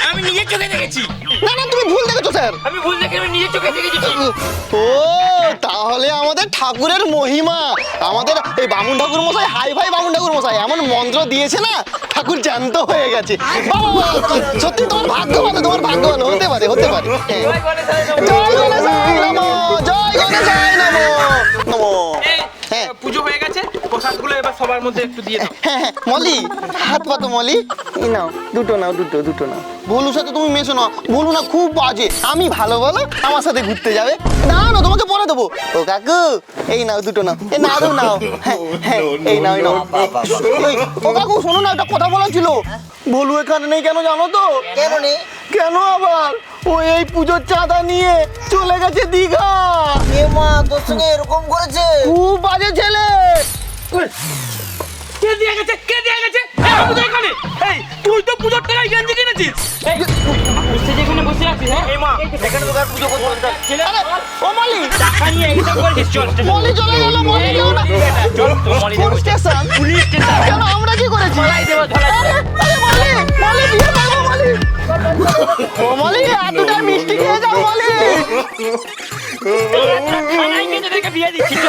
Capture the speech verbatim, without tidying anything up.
আমি নিজের চোখে দেখেছি। না না তুমি ভুল দেখেছো স্যার। আমি ভুল দেখে আমি নিজের চোখে দেখেছি। ও তাহলে আমাদের ঠাকুরের মহিমা, আমাদের এই বামুন ঠাকুর মশাই, হাই ভাই বামুন ঠাকুর মশাই এমন মন্ত্র দিয়েছে না, ঠাকুর জ্যান্ত হয়ে গেছে। বাবা, সত্যি তোমার ভাগ্য ভালো, তোমার ভাগ্য ভালো, হতে পারে হতে পারে। হ্যাঁ। জয় গণেশায় নমঃ। জয় গণেশায় নমঃ, জয় গণেশায় নমঃ নমঃ। এই, হ্যাঁ। পুজো হয়ে গেছে, প্রসাদগুলো এবার সবার মধ্যে একটু দিয়ে দাও। হ্যাঁ হ্যাঁ মলি, হাত পাতো মলি, এই নাও দুটো নাও, দুটো দুটো নাও। ভোলুর সাথে তুমি মেশো না, ভোলু না খুব বাজে। আমি ভালো বলো, আমার সাথে ঘুরতে যাবে। না না তোমাকে পরে দেবো। ও কাকু এই নাও দুটো নাও, এই নাও নাও। হ্যাঁ হ্যাঁ এই নাও এই নাও। এই, ও কাকু শোনো না, একটা কথা বলার ছিল। ভোলু এখানে নেই কেন জানো তো? কেন নেই? কেন আবার? ও এই পুজোর চাঁদা নিয়ে চলে গেছে দীঘা। এ মা, তোর সঙ্গে এরকম করেছে? খুব বাজে ছেলে। কে দিয়ে গেছে? কে দিয়ে গেছে? এই, আমি তো এখানে। এই, তুই তো পুজোর টাকায় গেঞ্জি কিনেছিস। এই, বসে যেখানে বসে আছিস, হ্যাঁ? এই মা, এখানে তো পুজো করতে হবে। ছেলে, আরে, ও মলি, টাকা নিয়ে এইসব করেছিস, চল, চল। মলি চলে গেল, মলি এই, গেল না। চল, তো মলি কোন দেবো। স্টেশন? Police station. কেন আমরা কি করেছি? ধলাই দেবো, ধলাই আরে, দেবো। আরে মলি, মলি বিয়ে করবো মলি। ও মলি, এতটা মিষ্টি খেয়ে যাও মলি। থানায় গিয়ে তোদেরকে বিয়ে দিচ্ছি।